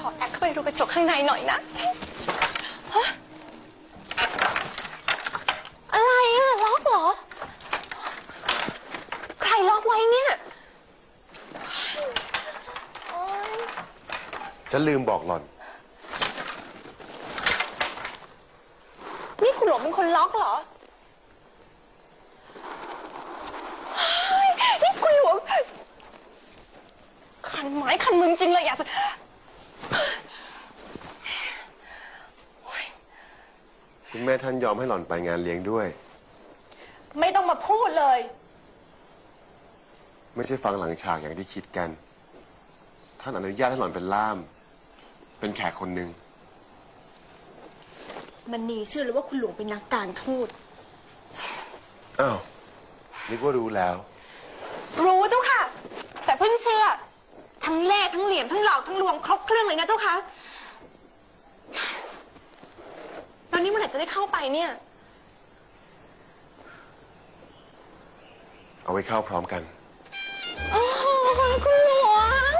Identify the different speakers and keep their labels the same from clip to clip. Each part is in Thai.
Speaker 1: อแอบเข้าไปดูกระจกข้างในหน่อยนะฮะอะไรอะล็อกเหรอใครล็อกไว้เนี่ย
Speaker 2: ฉันลืมบอกหล่อน
Speaker 1: นี่คุณหลวงเป็นคนล็อกเหรอนี่คุณหลวงคันไม้คันมือจริงเลยอยากจะ
Speaker 2: คุณแม่ท่านยอมให้หล่อนไปงานเลี้ยงด้วย
Speaker 1: ไม่ต้องมาพูดเลย
Speaker 2: ไม่ใช่ฟังหลังฉากอย่างที่คิดกัน ท่านอนุญาตให้หล่อนเป็นล่าม เป็นแขกคนหนึ่ง
Speaker 1: มันนีเชื่อเลยว่าคุณหลวงเป็นนักการทูต
Speaker 2: อ้าวนึกว่ารู้แล้ว
Speaker 1: รู้เจ้าค่ะ แต่เพิ่งเชื่อ ทั้งเล่ห์ทั้งเหลี่ยมทั้งหลอกทั้งลวงครบเครื่องเลยนะเจ้าค่ะแล้วนี่เมื่อไหร่จะได้เข้าไปเนี่ย
Speaker 2: เอาไว้เข้าพร้อมกัน
Speaker 1: โอ้โหคุณหลวง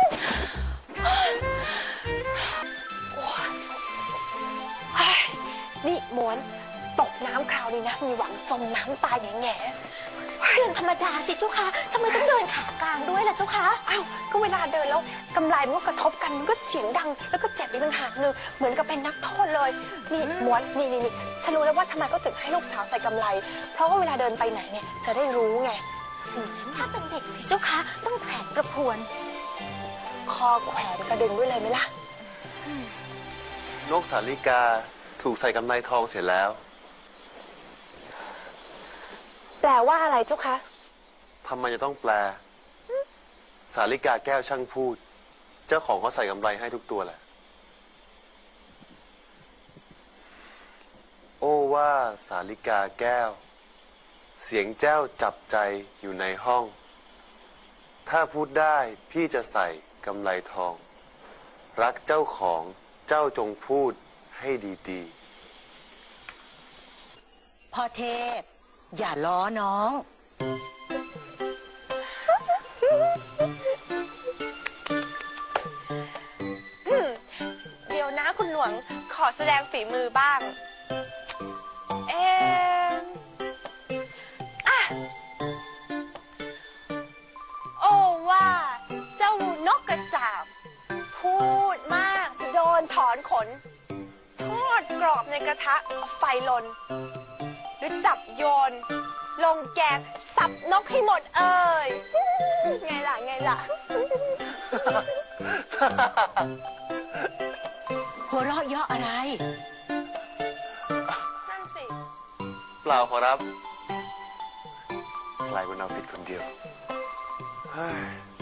Speaker 1: นี่ม้วนตกน้ำคราวนี้นะมีหวังจมน้ำตายแง่เรื่องธรรมดาสิเจ้าค่ะทำไมต้องเดินขากลางด้วยล่ะเจ้าค่ะอ้าวก็เวลาเดินแล้วกำไลมันก็กระทบกันมันก็เสียงดังแล้วก็เจ็บอีกต่างหากหนึ่งเหมือนกับเป็นนักโทษเลยนี่ม้วนนี่ฉันรู้แล้วว่าทำไมก็ถึงให้ลูกสาวใส่กำไลเพราะว่าเวลาเดินไปไหนเนี่ยจะได้รู้ไงถ้าเป็นเด็กสิเจ้าค่ะต้องแขวนกระพวนคอแขวนกระดึงด้วยเลยไหมล่ะ
Speaker 2: นกสาลิกาถูกใส่กำไลทองเสร็จแล้ว
Speaker 1: แปลว่าอะไรเจ้าคะ
Speaker 2: ทำไมจะต้องแปล สาลิกาแก้วช่างพูด เจ้าของเขาใส่กำไลให้ทุกตัวแหละ โอ้ว่าสาลิกาแก้ว เสียงแจ้วจับใจอยู่ในห้อง ถ้าพูดได้พี่จะใส่กำไลทอง รักเจ้าของเจ้าจงพูดให้ดีๆ
Speaker 3: พ่อเทพอย่าล้อน้อง
Speaker 1: เดี๋ยวนะคุณหลวงขอแสดงฝีมือบ้างโอ้ว่าเจ้านกกระจาบพูดมากจะโดนถอนขนทอดกรอบในกระทะเอาไฟลนหรือจับโยนลงแกงสับนกให้หมดเอ่ยไงล่ะ
Speaker 3: หัวเราะเยาะอะไร
Speaker 1: นั่นสิ
Speaker 2: เปล่าขอรับกลายเป็นเอาผิดคนเดียว เฮ้ย